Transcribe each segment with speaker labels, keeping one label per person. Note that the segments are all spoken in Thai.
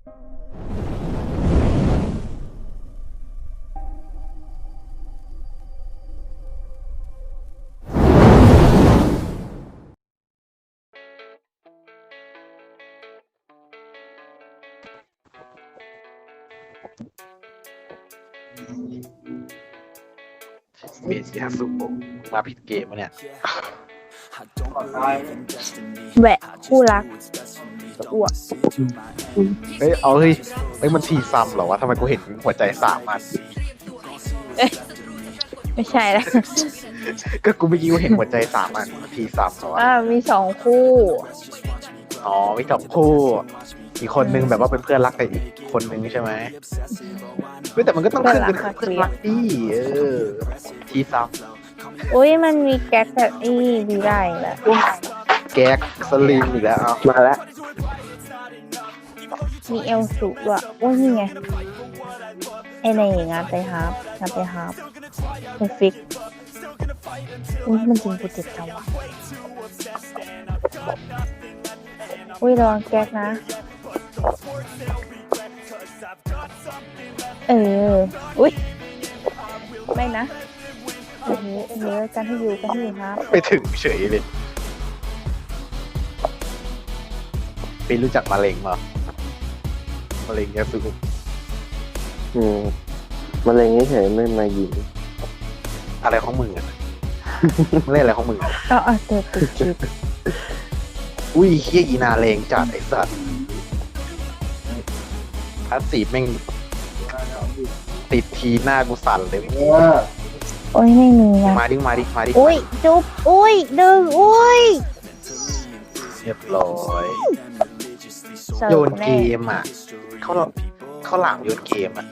Speaker 1: เบสยาสุโกะมาผิดเกมวะเนี่ย
Speaker 2: แหวะคู่รักอ้วก
Speaker 1: เฮ้ยมันทีซัมเหรอวะทำไมกูเห็นหัวใจ3 อัน
Speaker 2: ไม่ใช่แล้ว
Speaker 1: ก็กูเมื่อกี้กูเห็นหัวใจ3 อันทีซัมเหรอวะ
Speaker 2: มี2 คู่
Speaker 1: อ๋อมี2 คู่อีกคนนึงแบบว่าเป็นเพื่อนรักกับอีกคนนึงใช่ไหมเฮ้ยแต่มันก็ต้องขึ้นเป็นเพื่อนรักดิทีซัม
Speaker 2: อุ้ยมันมีแก๊กแบบดีได้แหละ
Speaker 1: แก๊กสลิมอีกแล้วเอามาแล้ว
Speaker 2: มีเอลสูด้วยโอ้ยนี่ไงไอในงานไปฮาร์ปเป็นฟิกอุ้ยมันจริงกูเจ็บจังวะอุ้ยระวังแก๊กนะอุ้ยไม่นะกันให้อยู่ครับ
Speaker 1: ไปถึงเฉยเลยไปรู้จักมะเร็งเหรอมะเร็งยาสุโกะ
Speaker 3: มะเร็งเฉยๆไม่มายิง
Speaker 1: อะไรของมึงอ่ะ เล่นอะไรของมึงอ่ะ
Speaker 2: เติมติดคลิป
Speaker 1: อุ้ยเฮียอีนาเลงจัดไอ้สัตว์พาสซีฟแม่งติดทีหน้ากูสั่นเลย
Speaker 2: โอ้ยไม่มีนะ
Speaker 1: มาดิ
Speaker 2: อุ้ยจุ๊บอุ้ยดึงอุ้ย
Speaker 1: เรียบร้อยโยนเกมอ่ะเขาหลามโยนเกมอ่ะ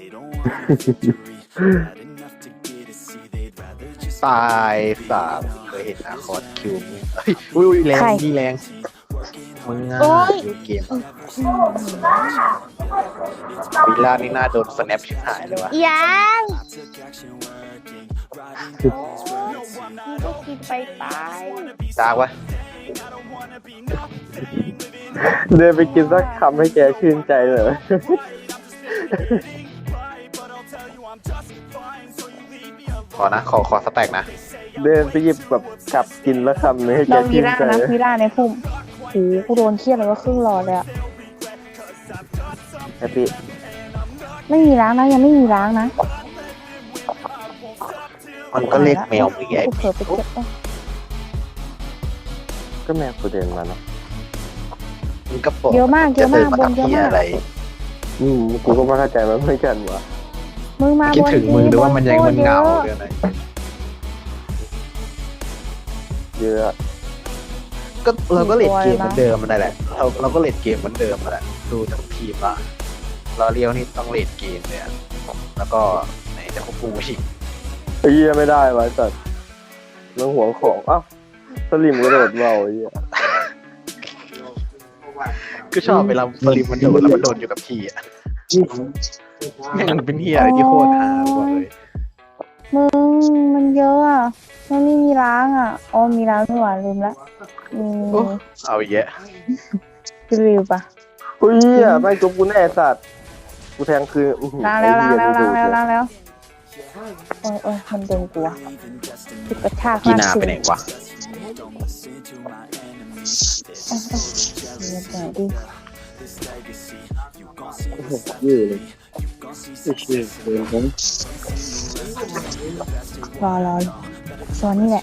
Speaker 1: ตาย3เคยเห็นนะคอร์ดคิวเฮ้ยอุ้ยแรงนี่แรงมึงอ่ะโยนเกมวิลล่านี่น่าโดนสแนปชิบหายเลยวะ
Speaker 2: ยังก็กินไป
Speaker 1: ตากวะ
Speaker 3: เดินไปกินสักคำให้แกชื่นใจเลย
Speaker 1: ขอนะขอสแต็กนะ
Speaker 3: เดินไปหยิบแบบกลับกินแล้วคำนึงให้แก
Speaker 2: เราวี
Speaker 3: ชื่น
Speaker 2: ร่า
Speaker 3: ใจ
Speaker 2: นะวีร่าในพุ่มโอ้กูโดนเครียดเลยว่าครึ่งหลอดเลยอะ
Speaker 3: แฮปปี้
Speaker 2: ไม่มีล้างนะยังไม่มีล้างนะ
Speaker 1: มันก็เรียกแมวมึงไง
Speaker 2: กูเผลอไปเก็บ
Speaker 3: ก็แม่กูเดินมาเนาะ
Speaker 1: มึงก็บอก
Speaker 2: เยอะมาก
Speaker 1: จะเดินมา
Speaker 2: บน
Speaker 1: ทำ
Speaker 2: เยอะ
Speaker 1: ที่
Speaker 2: มาก
Speaker 1: อะไร
Speaker 3: กูก็ไม่เข้าใจมันเหมือนกันวะ
Speaker 2: มึงมา
Speaker 1: คิด
Speaker 2: บน
Speaker 1: ถึงมึงหรือว่ามันยังมันเหงา
Speaker 2: เย
Speaker 1: เรื่
Speaker 2: อะ
Speaker 1: องไหน
Speaker 3: เยอะ
Speaker 1: ก็เราก็เล่นเกมเหมือนเดิมมันได้แหละเราก็เล่นเกมเหมือนเดิมมาแหละดูทั้งทีมละเราเลี้ยวนี่ต้องเล่นเกมเลยอะแล้วก็ไหนจะควบคุมชิง
Speaker 3: ไอ้เหี้ยไม่ได้วะสัตว์เรื่องหัวของอ้าวสลิมกระโดดเบาไอ้เหี้ย
Speaker 1: ก็ชอบเวลาสลิมมันโดนแล้วมันโดนอยู่กับที่อะแม่งเป็นเฮียอะไรที่โคตรฮาบอกเลย
Speaker 2: มึงมันเยอะอ่ะมันไม่มีล้างอ่ะอ๋อมีล้างไม่หวานลืมละมี
Speaker 1: โอ้เอาอีกแยะ
Speaker 2: รีวิวปะ
Speaker 3: อุ้ยเหี้ยไม่จบกูแน่สัตว์กูแทงคือ
Speaker 2: ล้างแล้วโอ้ยมันดึงกูอะติดกระชาก
Speaker 1: กีนาไปไหนวะ
Speaker 2: เดี๋ยวดิ
Speaker 3: ยืดเลย
Speaker 2: รอซอนนี่แหละ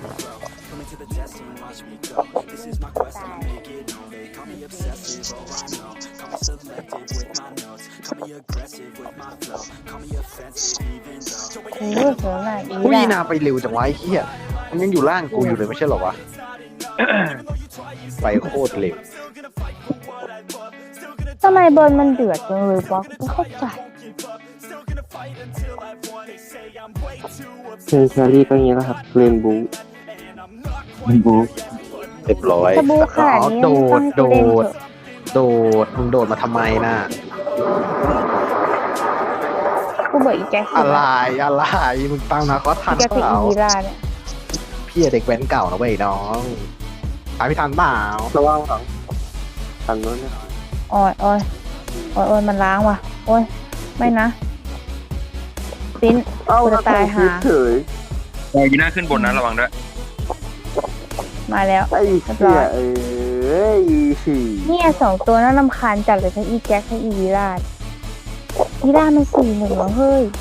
Speaker 2: โอ้โหเธอน่ะอี
Speaker 1: อุ้ย
Speaker 2: แหละ
Speaker 1: นาไปเร็วจังวะไอ้เฮียมันยังอยู่ล่างกูอยู่เลยไม่ใช่เหรอวะ ไปโคตรเร็ว
Speaker 2: ทำไมเบิร์นมันเดือดจังเลยวะกูไม่เข้าใจ
Speaker 3: เชอรี่ก็อย่างนี้แล้วครับเรนบูบู
Speaker 1: เรียบร้อย
Speaker 2: สบู่ขนาดนี้
Speaker 1: โด
Speaker 2: ต้อง
Speaker 1: ด
Speaker 2: ให้กูเล่นเถอะ
Speaker 1: มึงโดดมาทำไมน่ะ
Speaker 2: กูเบื่ออีแจ็ค
Speaker 1: อะไรมึงตั้งนะก็ทัน
Speaker 2: แจ็ค
Speaker 1: เป
Speaker 2: คือ
Speaker 1: ล่า
Speaker 2: อีวีราเนี่ย
Speaker 1: พี่เด็กแว้นเก่านะเว้ยน้องตายพี่ทันเปล่า
Speaker 3: ระวังหลังทันนู้นนะ
Speaker 2: อ้อยโอ้ยมันล้างว่ะ โอ้ยไม่นะซิน
Speaker 3: เอ้า
Speaker 2: กูจะตายหา
Speaker 3: เฉย
Speaker 4: ยีน่าขึ้นบนนะระวังด้วย
Speaker 2: มาแล้ว
Speaker 3: ไอ้เหี้ยสี่
Speaker 2: เนี่ยสองตัวน่ารำคาญจัดเลยทั้งอีแจ็คทั้งอีวีราดวีราดมัน4-1แล้วเฮ้ย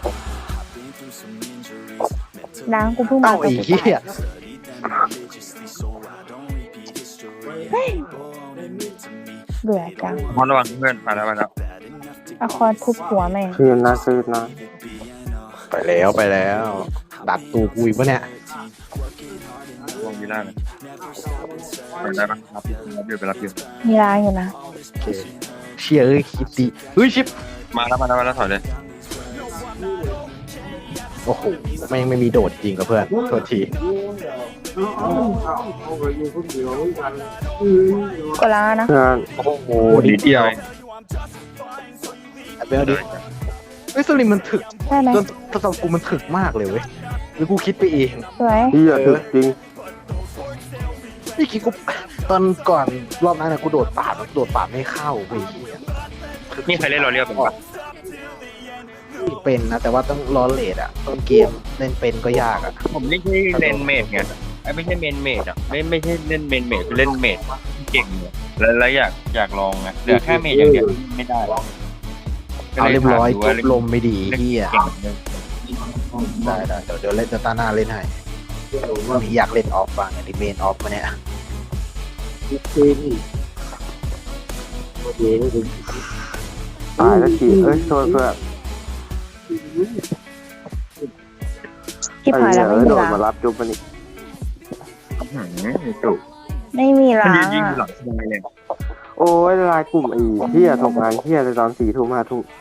Speaker 2: ล้างกูเพิ่งมา
Speaker 1: เอ้าไอ้เหี้ย
Speaker 2: เบื่อจัง
Speaker 4: พอระวังเพื่อนมาแล้ว
Speaker 2: เอาคอนทุบหัวแม่ง
Speaker 3: คืนนะคืนนะ
Speaker 1: ไปแล้วดักตูกูอีกปะเนี่ย
Speaker 4: ระวังยีน่าเลยไปได้ปะรับอยู่ไปรับอยู่
Speaker 2: มีล้างอยู่นะ
Speaker 1: โอเคเชี่ยเอ้ยคิดดีเฮ้ยชิป
Speaker 4: มาแล้วถอยเลย
Speaker 1: โอ้โหไม่มีโดดจริงกับเพื่อนโทษที
Speaker 2: ก็ล้างแล้วนะ
Speaker 3: งาน
Speaker 1: โอ้โหนิดเดียวเอาไปเอาดิเฮ้ยสลิมมันถึก
Speaker 2: ได้ไหม
Speaker 1: จนสำหรับกูมันถึกมากเลยเว้ยหรือกูคิดไปเอง
Speaker 2: สวย
Speaker 3: เหี้ยถึกจริง
Speaker 1: นี่คิดกูตอนก่อนรอบนั้นนะกูโดดปาดไม่เข้าเว้ย
Speaker 4: นี่ใครเล่นรอเรียวเป็นปะ
Speaker 1: เป็นนะแต่ว่าต้องรอเลทอะต้นเกมเล่นเป็นก็ยากอะ
Speaker 4: ผมไม่ใช่เล่นเมดไงไม่ใช่เมนเมดอ่ะไม่ใช่เล่นเมนเมดคือเล่นเมดเก่งเนี่ยแล้วอยากลองไงเหลือแค่เมดอย่างเดียวไม่ได้
Speaker 1: เอาเรียบร้อยจบลมไม่ดี
Speaker 4: เล่น
Speaker 1: เฮีย
Speaker 4: เก่งเลย
Speaker 1: ได้เดี๋ยวเล่นตาหน้าเล่นให้วันนี้อยากเล่นออฟบ้างดิเมนออฟมาเนี่ย
Speaker 3: ตายแล้วทีเอ้ยโทษเพื่อน
Speaker 2: ที่ผ่านแล้วไม่มี
Speaker 3: โดด
Speaker 2: ล้าง
Speaker 3: มารับจุ๊บมันนี่
Speaker 4: จุก
Speaker 2: ไม่มี
Speaker 4: มัน
Speaker 2: ล้าง
Speaker 4: ยิง
Speaker 2: อ่ะ
Speaker 4: หลังสบายเลย
Speaker 3: โอ้ยลายกลุ่มไอ้เหี้ยส่งงานเหี้ยเลยตอน4 ทุ่ม 5 ทุ่ม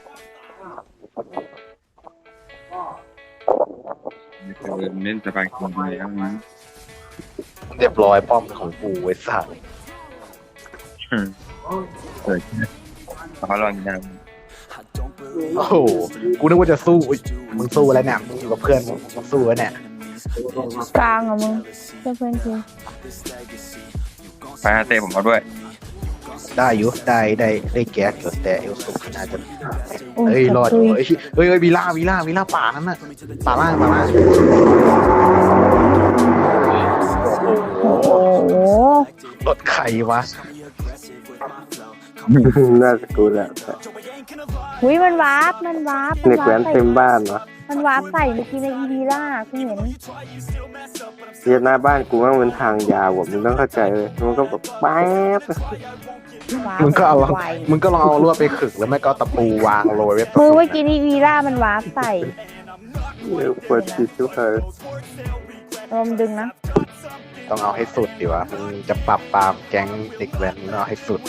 Speaker 4: เล่นสบายคนเดียวนะ
Speaker 1: เรียบร้อยป้อมของกูไว้สัตว์
Speaker 4: เกิดเขาลองยิง
Speaker 1: โอ้โหกูนึกว่าจะสู้อุ๊ยมึงสู้แล้วเนี่ยมึงอยู่กับเพื่อนมึงสู้แล้วเนี่ย
Speaker 2: กลางอ่ะมึงเพื่อนที
Speaker 4: ไปเตะผมเอาด้วย
Speaker 1: ได้อยู่ได้แก๊สอยู่แต่เอลสุกน่าจะ
Speaker 2: โอ้
Speaker 1: เฮ้ยรอดอ
Speaker 2: ตุ
Speaker 1: ยู่
Speaker 2: ย
Speaker 1: เฮ้ยวีล่าป่านั้นน่ะป่าล่าง
Speaker 2: โอ้โห
Speaker 1: รถไข่วะ
Speaker 3: น่าจะกูแหละ
Speaker 2: อุ้ยมันวาร์ป
Speaker 3: เด็กแว้นเต็มบ้านวะ
Speaker 2: มันวาร์ปใส่เมื่อกี้ในอีวีล่าคุณเห็น
Speaker 3: เรียนหน้าบ้านกูว่ามันทางยาวว่ะมึงต้องเข้าใจเลยมันก็แบบแป๊บ
Speaker 2: วาร์ป
Speaker 1: มึงก็เอา
Speaker 2: ไว
Speaker 1: มึงก็ลองเอาลวดไปขึกแล้วไม่ก็เอาตะปูวางโรยไว้
Speaker 2: มือเมื่อกี้ในอีวีล่ามันวาร์ปใส่
Speaker 3: เปิดติดทุกคน
Speaker 2: ลมดึงนะ
Speaker 1: ต้องเอาให้สุดดีวะมึงจะปรับปรามแก๊งเด็กแว้นมึงเอาให้สุด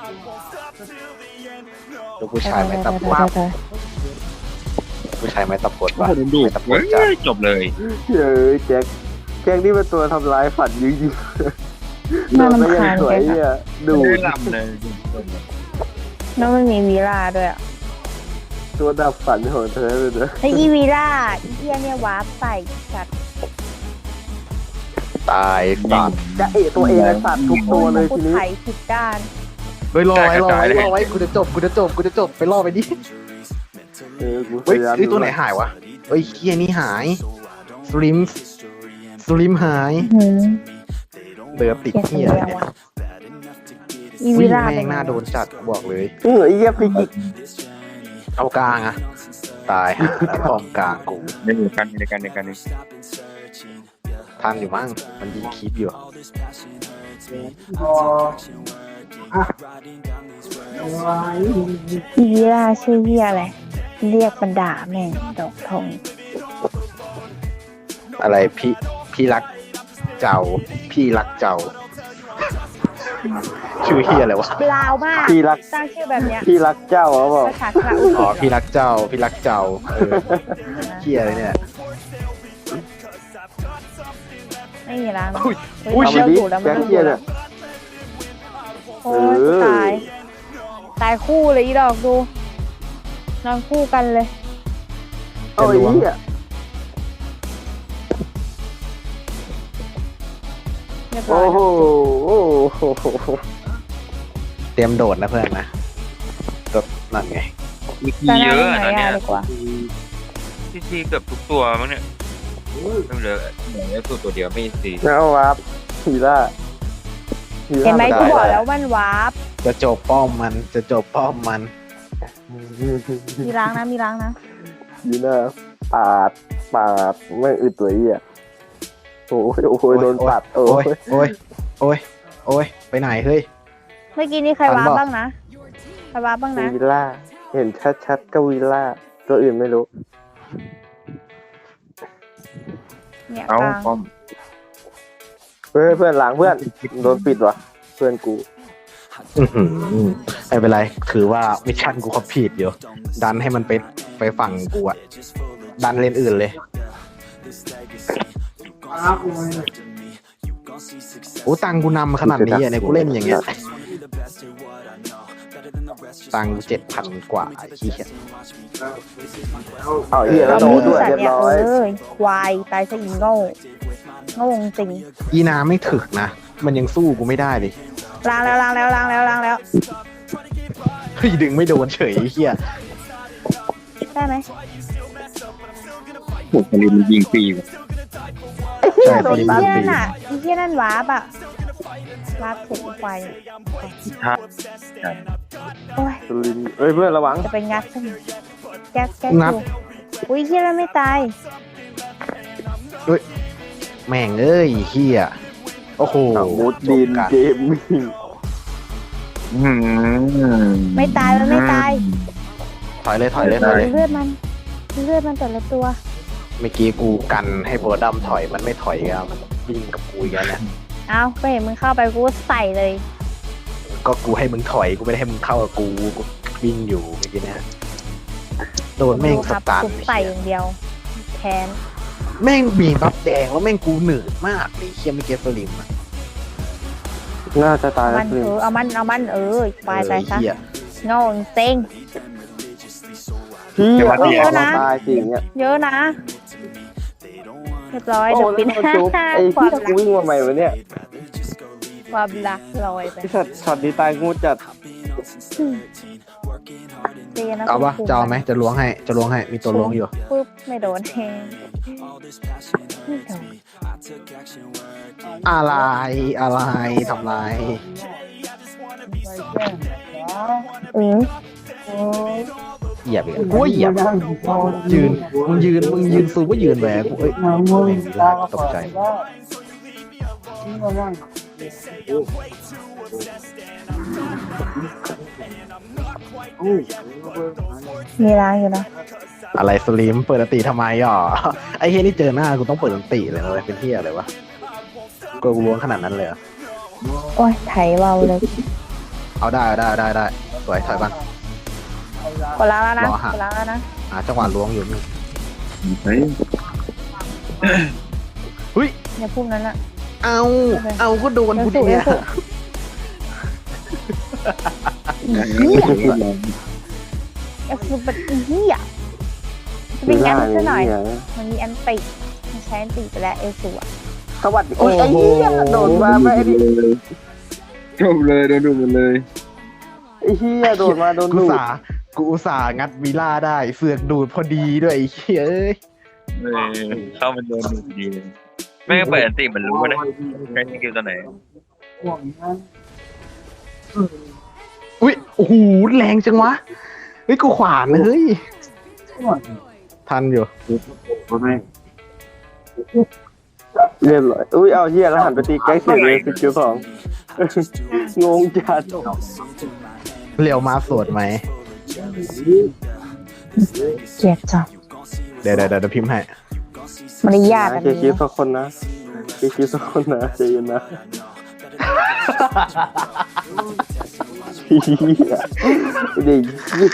Speaker 1: ลูกผู้ชายไม่ตะปบผู้ชายไม่ตะปดวะไม่ตะปดจ้ะ
Speaker 4: จบเลย
Speaker 3: เฮ้ยแจ็คนี่เป็นตัวทำร้ายฝันยิงยิง
Speaker 2: น่า
Speaker 3: ไม่
Speaker 2: รำ
Speaker 3: ยัง
Speaker 2: คาญ
Speaker 3: สวย
Speaker 2: แก
Speaker 3: เนี่ยดู
Speaker 4: ไม่ลำเลย
Speaker 2: แล้วมันมีวีล่าด้วยอ่ะ
Speaker 3: ตัวดับฝันของเธอเลยนะ
Speaker 2: ไออีวีล่าอีเทียเนี่ยวาร์ปใส่สัตว์
Speaker 1: ตายสัตว์
Speaker 3: จะเอะตัวเองไอ้สัตว์ทุกตัวเลย
Speaker 2: กู
Speaker 3: ทีนี้
Speaker 2: ไถผิดด้าน
Speaker 1: เฮ้ยรอไว้กูจะจบไปรอไปดิ
Speaker 3: กูพ
Speaker 1: เฮ้ย
Speaker 3: ยายาม
Speaker 1: ตัวไหนหายวะเฮ้ยเคียนี่หายสลิมหาย
Speaker 2: หืม
Speaker 1: เดือติด
Speaker 2: เขียน
Speaker 1: เฮีย
Speaker 2: เดียว
Speaker 1: เนี่ย
Speaker 2: อ่ะอี
Speaker 1: วิ่
Speaker 2: วี
Speaker 1: ง
Speaker 2: ล่า
Speaker 1: แม่
Speaker 2: เป็น
Speaker 1: งหน้าโดนจัดบอกเลย
Speaker 3: เหงื่อเยี่ยฟิกิก
Speaker 1: เอากลางอะตายพร้อมกลางกู
Speaker 4: ในกัน
Speaker 1: ทันอยู่มั้งมันยิงคลิปอยู่
Speaker 2: อีวีล่าชื่อเฮียอะไรเรียกบรรดาแม่งดอกทอง
Speaker 1: อะไรพี่รักเจ้าพี่รักเจ้า ชื่อเฮียอะไรวะ
Speaker 2: ลาวมาก
Speaker 3: พี่รัก
Speaker 2: ตั้งชื่อแบบเนี้ย
Speaker 3: พี่รักเจ้าเขาบอก
Speaker 2: ภาษาคาอุ
Speaker 1: อ๋อพี่รักเจ้าเฮียอะไรเนี่ย
Speaker 2: ไม่มีล้างนะ
Speaker 1: อุ้ย
Speaker 2: เฮ้
Speaker 1: อุ้ย
Speaker 2: เรา
Speaker 1: ชิบ
Speaker 2: อยู่แล้วมัน
Speaker 3: แจ็ค
Speaker 2: ต้องอ
Speaker 3: เยี่ย
Speaker 2: ยู่แล้
Speaker 3: เนี่
Speaker 2: วย โอ้ยกูตายคู่เลยอีดอกดูนอนคู่กันเลย
Speaker 3: โอ้ยเหี้ย
Speaker 2: เรียบร้อ
Speaker 3: โอ้
Speaker 2: ย
Speaker 3: โห
Speaker 2: นะ
Speaker 3: โอ้โห
Speaker 1: เตรียมโดดนะเพื่อนนะนั่นไง
Speaker 4: มี
Speaker 2: จะ
Speaker 4: เย
Speaker 2: นั่ง
Speaker 4: อะ
Speaker 2: ไหน
Speaker 4: ตอนเนี้ย
Speaker 2: ดีกว่า
Speaker 4: ที่เกือบทุกตัวมั้งเนี่ยไม่เหลือตัวเดียวไม่ซี
Speaker 3: เอาวาร์ปฮีล่า
Speaker 2: เห็นไหม
Speaker 1: ได้
Speaker 2: กูบอกแล้วมันวาร์ป
Speaker 1: จะจบป้อมมันจะจบป้อมมัน
Speaker 2: มีล้างนะมีล้างนะ
Speaker 3: ฮีล่าปาดไม่อึดตัวเหี้ยโอ้ยโดนปัดโอ้
Speaker 1: โอ้
Speaker 3: ย
Speaker 1: ยโอ้ยโอ้ยไปไหนเฮ้ย
Speaker 2: เมื่อกี้นี่ใคร
Speaker 1: ทัน
Speaker 2: วาร์ป
Speaker 1: ปะ
Speaker 2: บ้างนะใครวาร์ปบ้างนะ
Speaker 3: วีล่าเห็นชัดๆก็วีล่าตัวอื่นไม่รู้
Speaker 2: เนี่ย
Speaker 4: เอา
Speaker 2: กลาง
Speaker 4: ป้อม
Speaker 3: เพื่อนหลังเพื่อนโดนปิดว่ะเพื่อนกู
Speaker 1: อื้อหือไม่เป็นไรถือว่ามิชชั่นกูคอมพลีทอยู่ดันให้มันไปฝั่งกูอะดันเลนอื่นเลยโอ้ตังกูนำขนาดนี้อะเนี่ยกูเล่นอย่างเงี้ยตัง7,000 กว่าไอ้เหี้ย
Speaker 3: เอาเหี้ยแล้วโดนด้วย
Speaker 2: สัต
Speaker 3: เรีย
Speaker 2: ว์
Speaker 3: บ
Speaker 2: เนี่ย
Speaker 3: ร้อย
Speaker 2: ควายตายซะอีโง่โง่จริง
Speaker 1: อีนาไม่ถึกนะมันยังสู้กูไม่ได้เลย
Speaker 2: ล้างแล้วล้างแล้วล้างแล้วล้างแล้ว
Speaker 1: เฮ้ยดึงไม่โดนเฉยไอ้เหี้ย
Speaker 2: ได้ไหม
Speaker 4: โอ้โหลิมันยิงฟรีว่ะ
Speaker 1: ใช่
Speaker 2: โด
Speaker 1: ตี
Speaker 2: น
Speaker 1: มัน
Speaker 2: เหี้ย
Speaker 1: ตี
Speaker 2: นั่นน่ะไอ้เหี้ยนั่นวาร์ปอะวาร์ปถึงควาย
Speaker 4: ถ้า
Speaker 2: โอ้ย
Speaker 3: สุรินทร์เอ้ยเพื่อนระวัง
Speaker 2: จะไปงัดซะหน่อยแก๊กอยู่อุ้ยเหี้ยนั่นไม่ตาย
Speaker 1: แม่งเอ้ยเหี้ยโอ้โห
Speaker 3: มุดดิน
Speaker 1: จบกัน
Speaker 3: เกมมิ่ง
Speaker 2: ไม่ตายมันไม่ตาย
Speaker 1: ถอยเลยถอยเลยถอยเลย
Speaker 2: เลือดมันแต่ละตัว
Speaker 1: เมื่อกี้กูกันให้โบดัมถอยมันไม่ถอยครับมันวิ่งกับกูอีกแล้วเนี่ย
Speaker 2: เอาก็เห็นมึงเข้าไปกูใส่เลย
Speaker 1: ก็กูให้มึงถอยกูไม่ได้ให้มึงเข้ากับกูวิ่งอยู่เมื่อกี้เนะโดนแม่งส
Speaker 2: ครับ
Speaker 1: ตาร์
Speaker 2: กูใส่อย่างเดียวแค้น
Speaker 1: แม่งมีบัฟแดงแล้วแม่งกูเหนื่อยมากเลยเคียไม่เก็ตสลิมอะ
Speaker 3: น่าจะตายแล้
Speaker 2: มั
Speaker 3: วน สุรินทร์
Speaker 2: เอามันควายตายซะ
Speaker 1: เหี้ย
Speaker 2: โง่เซ็ง
Speaker 3: พี่
Speaker 2: เยอะนะ
Speaker 3: ตายจริงเนี่ย
Speaker 2: เยอะนะเรียบร้อย
Speaker 3: โอ้
Speaker 2: เดี๋ยว
Speaker 3: แล้ว
Speaker 2: ปิด
Speaker 3: โดนจุ๊บไอ้
Speaker 2: ควา
Speaker 3: ที่
Speaker 2: ม
Speaker 3: กู
Speaker 2: รัก
Speaker 3: วิ่งมาใหม่วะเนี่ย
Speaker 2: ความรักลอยไป
Speaker 3: ไอ้สัตว์ช็อตนี้ตายงูจัด
Speaker 2: เรียนนะ
Speaker 1: เอาปะ
Speaker 2: คุณ
Speaker 1: จะเอาไหมจะล้วงให้มีตัวล้วงอยู่
Speaker 2: ปุ๊บไม่โดนเองไม่โดน
Speaker 1: อะไรทำไร
Speaker 2: อือ
Speaker 1: เหยียบอีกกูว่าเหยียบมึงยืนซูก็ยืนแหวกูเอ้ยไม่ได้ตกใจ
Speaker 2: มีล้างอยู่นะ
Speaker 1: อะไรสลิมเปิดอันติทำไมอ่ะไอ้เฮียนี่เจอหน้ากูต้องเปิดอันติเลยนะเว้ยเป็นเฮียอะไรวะกูล้วงขนาดนั้นเลยเหรอ
Speaker 2: โอ้ยไถเบาเลย
Speaker 1: เอาได้สวยถอยบ้าง
Speaker 2: กดล้างแล้วนะ
Speaker 1: รอหา
Speaker 2: กดล้างแล้วนะ
Speaker 1: จังหวะล้วงอยู่นี่
Speaker 4: เฮ้ย
Speaker 1: เฮ้ย
Speaker 2: ในพุ่มนั้นอะ
Speaker 1: เอาก็โดนกูดิเนี่ย
Speaker 2: เหี้ยเอฟซูเป็นเหี้ยจะเป็นงั้นซะหน่อย มันมีอันติมันใช้อันติไปแล้วเอลซูอะ
Speaker 3: สวัสดีโอ้ยไอ้เหี้ยโดดมาไม่ดิ
Speaker 4: จบเลยโดนดูมันเลย
Speaker 3: ไอ้เหี้ยโดดมาโดน
Speaker 1: กู
Speaker 3: ดูด
Speaker 1: อุตส่าห์งัดวีล่าได้เสือกดูดพอดีด้วยไอ้เหี้ยเอ้ย
Speaker 4: เข้ามันโดนดูดีเลยแม่งเปิดอันติมันรู้นะใช้สกิลตัวไหน
Speaker 1: อุ้ยโอ้โหแรงจังวะเฮ้ยกูขวานนะเฮ้ยทันอยู่
Speaker 3: เรียบร้อยอุ้ยเอาเหี้ยแล้วหันไปตีแก๊กเสียเลย12งงจัด
Speaker 1: เรียวมาสวดไหม
Speaker 2: เกลียดจัง
Speaker 1: เดี๋ยวพิมพ์ให้
Speaker 2: มารยาทอัน
Speaker 3: เคลียร์คลิ
Speaker 2: นี้
Speaker 3: ปสักคนนะเคลียร์คลิปสักคนนะใจเย็นนะเหี้ยเด็ก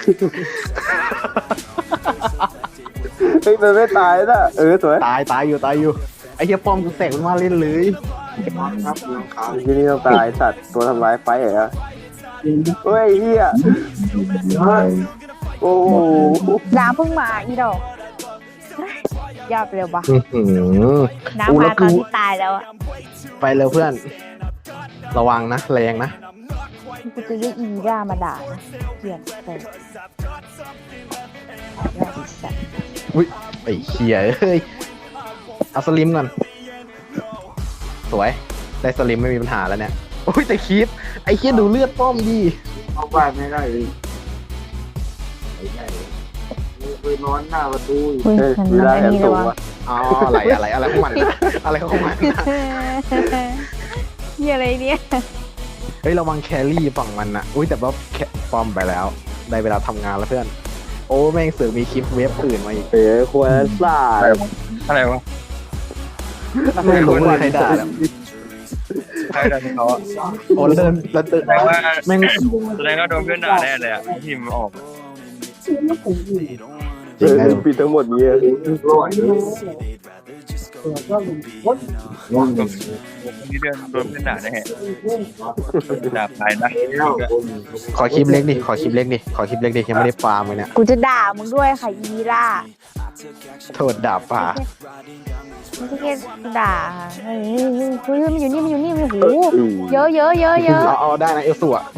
Speaker 3: เฮ้ยมันไม่ตายนะสวย
Speaker 1: ตายอยู่ไอ้เหี้ยป้อมกูแตกมันมาเล่นเลย
Speaker 3: ที่นี่ต้องตายสัตว์ตัวทำร้ายไฟเหรอเฮ้ยเฮียโอ้โห
Speaker 2: น้ำเพิ่งมาอีดอกยอดเร็วปะ
Speaker 1: อื้อหือ
Speaker 2: น้ำมาตอนที่ตายแล้วอะ
Speaker 1: ไปเร็วเพื่อน ระวังนะแรงนะ
Speaker 2: กูจะเรียกอีด้ามาด่านะเกลียดแต่ด่าดิสัตว์
Speaker 1: อุ้ยไอ้เหี้ยเอ้ยเอาสลิมก่อนสวยได้สลิมไม่มีปัญหาแล้วเนี่ยโอ้ยแต่คีปไอ้เหี้ยดูเลือดป้อมดิ
Speaker 3: เข้าบ้านไม่ได้เลยไปนอนหน้าประตู
Speaker 2: เฮ้ยมันอันนี้เลยวะ
Speaker 1: อ๋ออะไรของมันอะไรของมัน
Speaker 2: เฮียอะไรเนี่ย
Speaker 1: เฮ้ยระวังแครี่ฝั่งมันนะอุ้ยแต่ว่าแคป้อมไปแล้วได้เวลาทำงานแล้วเพื่อนโอ้แม่งเสือกมีคลิปเว็บอื่นมาอีก
Speaker 3: เป๋ควรซ่า
Speaker 4: อะไรวะ
Speaker 1: ไม่รู้ว่าใครด่าแล้ว
Speaker 4: ใครดันเขาอะ
Speaker 1: โอ้แล้วเดินแล้วเดิน
Speaker 4: แสดงว่า
Speaker 1: แม่ง
Speaker 4: แสดงว่าโดนเพื่อนด่าแน่เลยอะทีมออก
Speaker 3: ปิดทั้งหมดนี้
Speaker 4: คนที่เดินโดนเพื่อนด่าแน่ด่าไปนะ
Speaker 1: ขอคลิปเล็กดิขอคลิปเล็กดิยังไม่ได้ฟาร์มเลยเนี่ย
Speaker 2: กูจะด่ามึงด้วยค่ะอีด้า
Speaker 1: โทษด่าป่า
Speaker 2: ไม่ใช่แค่ด่าเฮ้ยมันอยู่นี่มันโอ้โหเยอะ
Speaker 1: เอาได้นะเอลสูอะ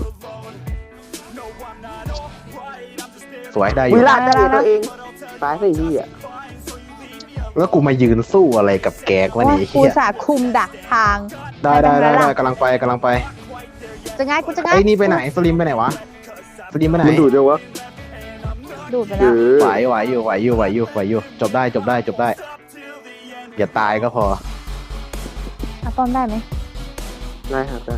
Speaker 1: สวยได้อ
Speaker 3: วิ
Speaker 1: ยู่
Speaker 3: ลาได้ตัวเองตายสิพี่อ่ะ
Speaker 1: แล้วกูมายืนสู้อะไรกับแกกวะนี่
Speaker 2: กู
Speaker 1: เฮีย
Speaker 2: สาคุมดักทาง
Speaker 1: ได้กำลังไป
Speaker 2: จะง่ายกูจะง่าย
Speaker 1: ไอ้นี่ไปไหนสลิมไปไหนวะสลิมไปไหน
Speaker 3: มันดูดยังวะ
Speaker 2: ดูดไปแล้ว
Speaker 1: ไหวอยู่จบได้อย่าตายก็พอ
Speaker 2: เอาป้อมได้ไหม
Speaker 3: ได้ครับได้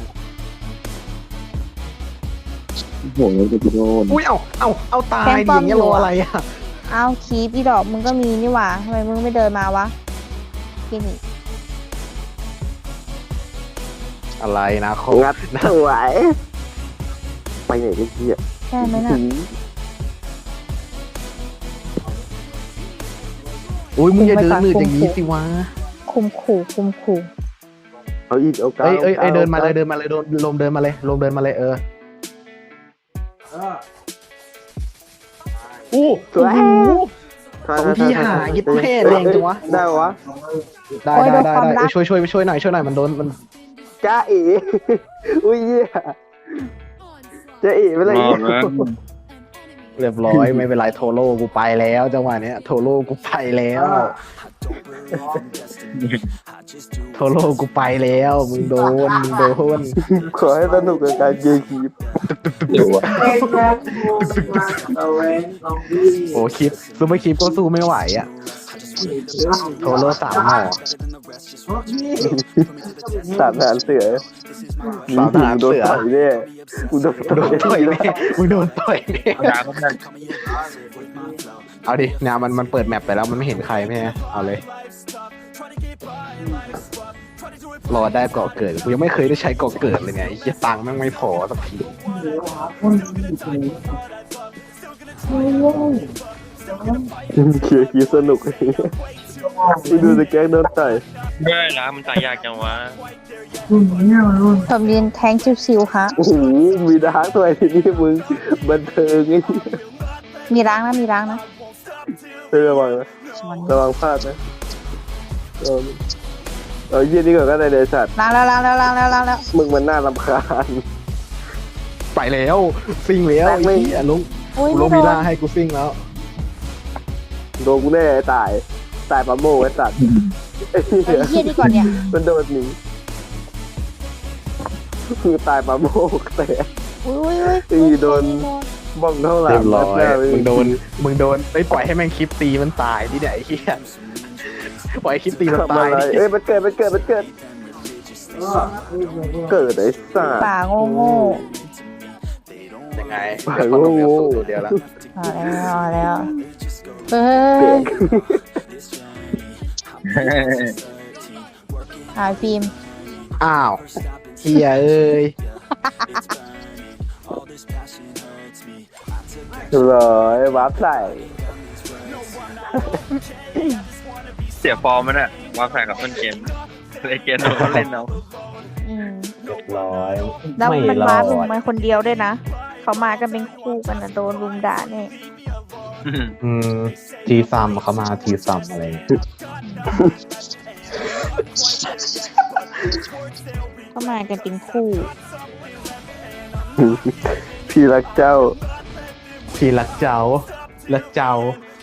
Speaker 1: อุ้ยเอาตายดิอย่างเงี้ยรออะไรอ่ะ
Speaker 2: เอาคีบอีดอกมึงก็มีนี่หว่าทำไมมึงไม่เดินมาวะกินอีก
Speaker 1: อะไรนะโค
Speaker 3: งัดสวยไปไหนกันพี่อ่ะ
Speaker 2: ใช่ไหมน่ะ
Speaker 1: อุ้ยมึงอย่าเดินหนืดอย่างนี้สิวะ
Speaker 2: คุมขู่
Speaker 3: เอาอีกเอาเก้า
Speaker 1: เอ้ยเดินมาเลยโดนลมเดินมาเลยอู้
Speaker 3: สวย
Speaker 1: 2 ทีหายิดแม่แรงจังวะ
Speaker 3: ได้วะ
Speaker 1: ได้ช่วยหน่อยมันโดนมัน
Speaker 3: จ้าเอ๋อุ้ยเหี้ยจ้าเอ๋เป็นไร
Speaker 4: มอง
Speaker 3: เนี่ย
Speaker 4: นะ
Speaker 1: เรียบร้อยไม่เป็นไรโทโร่กูไปแล้วจังหวะเนี้ยโทโร่กูไปแล้วมึงโดน
Speaker 3: ขอให้สนุกกับการเกมคีบ
Speaker 4: เดี๋ยววะ
Speaker 1: โอ้คลิปซูเปอร์คลิปก็สู้ไม่ไหวอ่ะโทโร่3 หน่อ
Speaker 3: สามทหารเสือ
Speaker 1: สามทหารเสือ
Speaker 3: โดนต่อยเนี่ยกูโดน
Speaker 1: โดนต่อยแน่มึงโดนต่อยแน่
Speaker 4: ด่าเขาได้
Speaker 1: เอาดิเนี่ยมันเปิดแมปไปแล้วมันไม่เห็นใครไม่ใช่เอาเลยรอได้เกาะเกิดกูยังไม่เคยได้ใช้เกาะเกิดเลยเนี่ยไอ้เหี้ยตังค์แม่งไม่พอสักที
Speaker 3: เคียร์คีสนุกไปดูสแกนโดนต่อย
Speaker 4: เมื่อร้านมันตายยากจังวะ
Speaker 2: ผมยืนแทงชิวๆค่ะ
Speaker 3: โอ้โหมีดาร์กตัวที่นี่มึงบันเทิงไง
Speaker 2: มีล้างนะ
Speaker 3: ระวังนะระวังพลาดนะเอาเยี่ยนี่ก่อนก็ได้เลยสัตว์
Speaker 2: ล้างแล้ว
Speaker 3: มึงมันน่ารำคาญ
Speaker 1: ไปแล้วซิ่งแล้วไอ้เหี้ยลุง
Speaker 2: อุ้ย
Speaker 1: กูล
Speaker 2: ไม่
Speaker 1: ง
Speaker 2: โด
Speaker 1: มีล่าน ให้กูซิ่งแล้ว
Speaker 3: โดนกูแน่ตายปลาโม่ไอ้สัตว์
Speaker 2: ไอ้เหี้ยนี่ก่อนเนี่ย
Speaker 3: มันโดนหนีคือตายปลาโม่แต่
Speaker 2: อุ้ย
Speaker 3: ตีโดนบ้องเท่าไหร่
Speaker 1: เรียบร้อย
Speaker 3: หน้า
Speaker 1: มึงโดนไอ้ยปล่อยให้แม่งคลิปตีมันตายดิเนี่ยไอ้เหี้ยปล่อยให้คลิปตีมัน
Speaker 3: ทำ
Speaker 1: ตาย
Speaker 3: อะไร
Speaker 1: ดิ
Speaker 3: เอ้ยมันเกิดเกิดไอ้สัตว์
Speaker 2: ป่าโง่
Speaker 1: ยังไง
Speaker 3: ปาก
Speaker 1: เดี๋ยว
Speaker 3: โง่
Speaker 1: คนเดียวแล้ว
Speaker 2: เอาแล้วเฮ้
Speaker 3: เก่
Speaker 2: ย
Speaker 3: ง
Speaker 2: หายฟิล์ม
Speaker 1: อ้าวเฮียเอ้ย
Speaker 3: ร้อยวาร์ปใส่
Speaker 4: เสียฟอร์มมันอะว่าแข่งกับต้นเกมเลยเกมเราเล่นเอา
Speaker 1: เรียบร้อย
Speaker 2: แล้ว
Speaker 1: ไม่
Speaker 2: มัน
Speaker 1: รอ
Speaker 2: มาถึง
Speaker 1: ด
Speaker 2: มันคนเดียวด้วยนะเขามากันเป็นคู่กันนะโดนรุมด่าเนี่ย
Speaker 1: ทีซัมเขามาทีซัมอะไรอย่างเงี้ย
Speaker 2: เขามากันเป็นคู่
Speaker 3: พี่รักเจ้า
Speaker 1: พี่รักเจ้ารักเจ้า